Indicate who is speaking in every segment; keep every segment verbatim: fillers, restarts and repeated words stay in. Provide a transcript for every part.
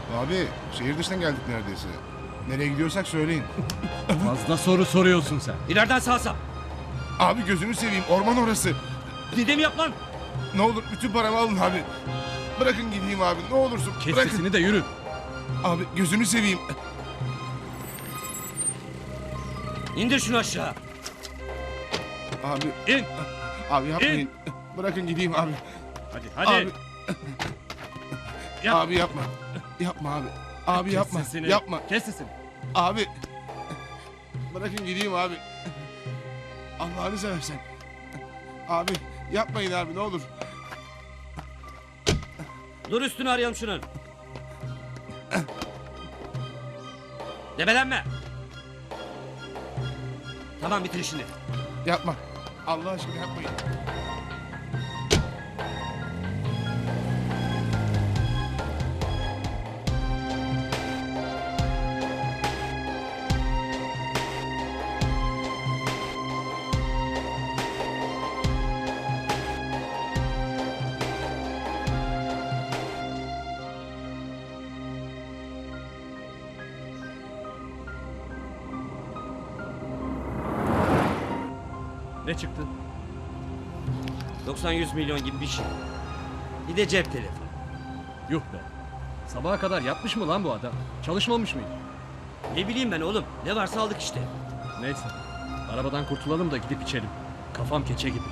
Speaker 1: Abi şehir dışından geldik neredeyse. Nereye gidiyorsak söyleyin.
Speaker 2: Fazla soru soruyorsun sen.
Speaker 3: İleriden sağa sağ.
Speaker 1: Abi gözünü seveyim, orman orası.
Speaker 3: Dedemi yap lan.
Speaker 1: Ne olur bütün paramı alın abi. Bırakın gideyim abi, ne olursun.
Speaker 2: Kes
Speaker 1: Bırakın.
Speaker 2: sesini de yürü.
Speaker 1: Abi gözünü seveyim.
Speaker 3: İndir şunu aşağı.
Speaker 1: Abi,
Speaker 3: İn.
Speaker 1: abi yapmayın. Bırakın gideyim abi.
Speaker 3: Hadi hadi.
Speaker 1: Abi,
Speaker 3: Yap.
Speaker 1: abi yapma. Yapma abi. Abi
Speaker 3: Kes
Speaker 1: yapma.
Speaker 3: sesini.
Speaker 1: Yapma.
Speaker 3: Kes sesini.
Speaker 1: Abi. Bırakın gideyim abi. Allah'ını seversen. Abi yapmayın abi ne olur.
Speaker 3: Dur üstünü arayalım şunun. Debelenme. Tamam bitir işini.
Speaker 1: Yapma. Allah aşkına yapmayın.
Speaker 2: Ne çıktı?
Speaker 3: doksan yüz milyon gibi bir şey. Bir de cep telefonu.
Speaker 2: Yuh be. Sabaha kadar yapmış mı lan bu adam? Çalışmamış mıydı?
Speaker 3: Ne bileyim ben oğlum. Ne varsa aldık işte.
Speaker 2: Neyse. Arabadan kurtulalım da gidip içelim. Kafam keçe gibi.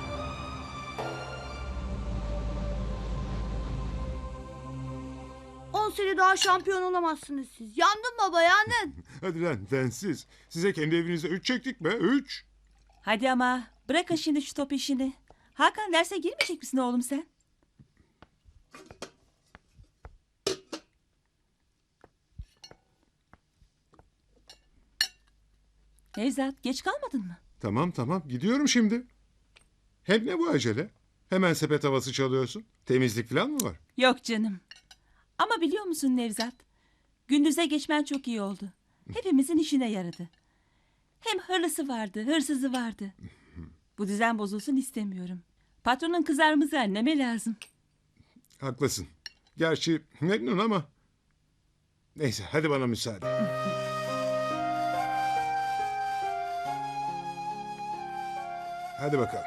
Speaker 4: On sene daha şampiyon olamazsınız siz. Yandın baba yandın.
Speaker 5: Hadi lan densiz. Size kendi evinize üç çektik be. Üç.
Speaker 6: Hadi ama bırakın şimdi şu top işini. Hakan derse girmeyecek misin oğlum sen? Nevzat geç kalmadın mı?
Speaker 5: Tamam tamam gidiyorum şimdi. Hem ne bu acele? Hemen sepet havası çalıyorsun. Temizlik falan mı var?
Speaker 6: Yok canım. Ama biliyor musun Nevzat? Gündüze geçmen çok iyi oldu. Hepimizin işine yaradı. Hem hırlısı vardı, hırsızı vardı. Bu düzen bozulsun istemiyorum. Patronun kızarımızı anneme lazım.
Speaker 5: Haklısın. Gerçi memnun ama. Neyse hadi bana müsaade. Hadi bakalım.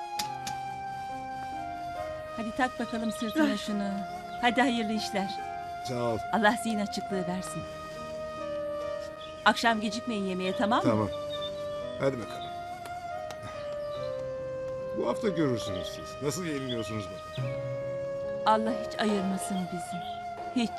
Speaker 6: Hadi tak bakalım sırtına şunu. Hadi hayırlı işler.
Speaker 5: Sağ ol.
Speaker 6: Allah zihin açıklığı versin. Akşam gecikmeyin yemeğe, tamam mı?
Speaker 5: Tamam. Hadi bakalım. Bu hafta görürsünüz siz. Nasıl yeniliyorsunuz bakalım.
Speaker 6: Allah hiç ayırmasın bizi. Hiç.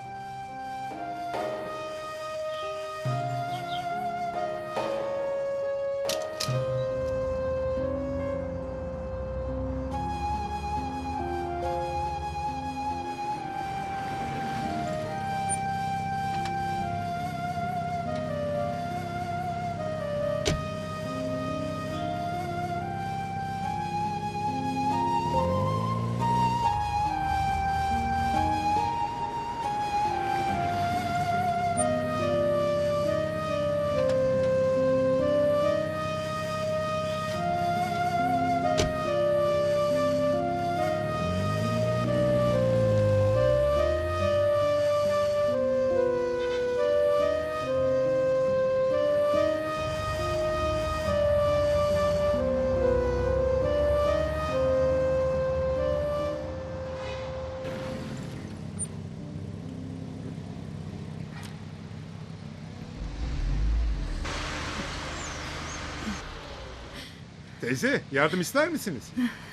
Speaker 5: Teyze yardım ister misiniz?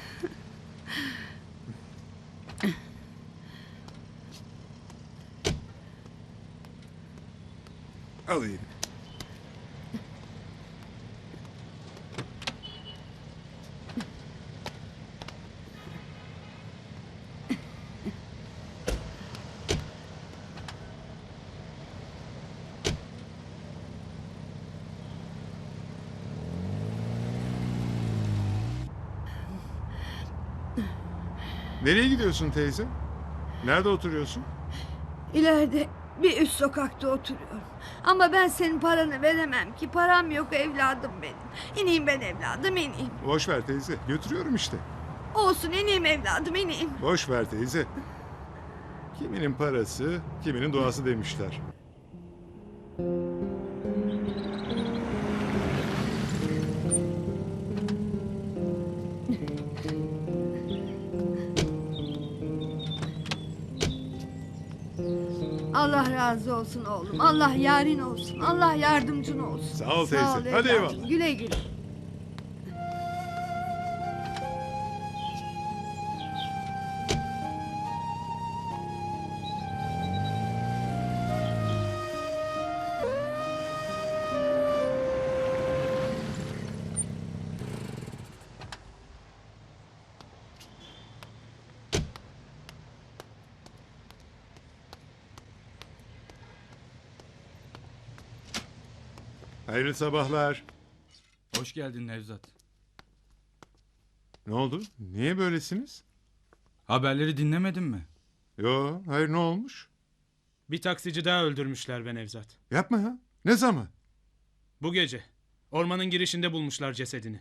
Speaker 5: Alayım. Nereye gidiyorsun teyze? Nerede oturuyorsun?
Speaker 4: İleride bir üst sokakta oturuyorum. Ama ben senin paranı veremem ki. Param yok evladım benim. İneyim ben evladım ineyim.
Speaker 5: Boş ver teyze. Götürüyorum işte.
Speaker 4: Olsun ineyim evladım ineyim.
Speaker 5: Boş ver teyze. Kiminin parası, kiminin duası demişler.
Speaker 4: Allah razı olsun oğlum. Allah yarin olsun. Allah yardımcın olsun.
Speaker 5: Sağ ol teyze. Hadi
Speaker 4: evladım.
Speaker 5: eyvallah.
Speaker 4: Güle güle.
Speaker 5: Hayırlı sabahlar.
Speaker 7: Hoş geldin Nevzat.
Speaker 5: Ne oldu? Niye böylesiniz?
Speaker 7: Haberleri dinlemedin mi?
Speaker 5: Yo, hayır ne olmuş?
Speaker 8: Bir taksici daha öldürmüşler be Nevzat.
Speaker 5: Yapma ya. Ne zaman?
Speaker 8: Bu gece. Ormanın girişinde bulmuşlar cesedini.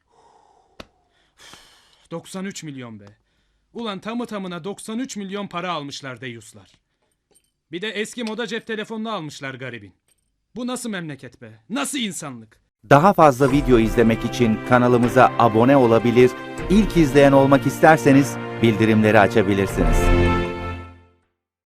Speaker 8: doksan üç milyon be. Ulan tamı tamına doksan üç milyon para almışlar deyuslar. Bir de eski moda cep telefonunu almışlar garibin. Bu nasıl memleket be? Nasıl insanlık?
Speaker 9: Daha fazla video izlemek için kanalımıza abone olabilir, ilk izleyen olmak isterseniz bildirimleri açabilirsiniz.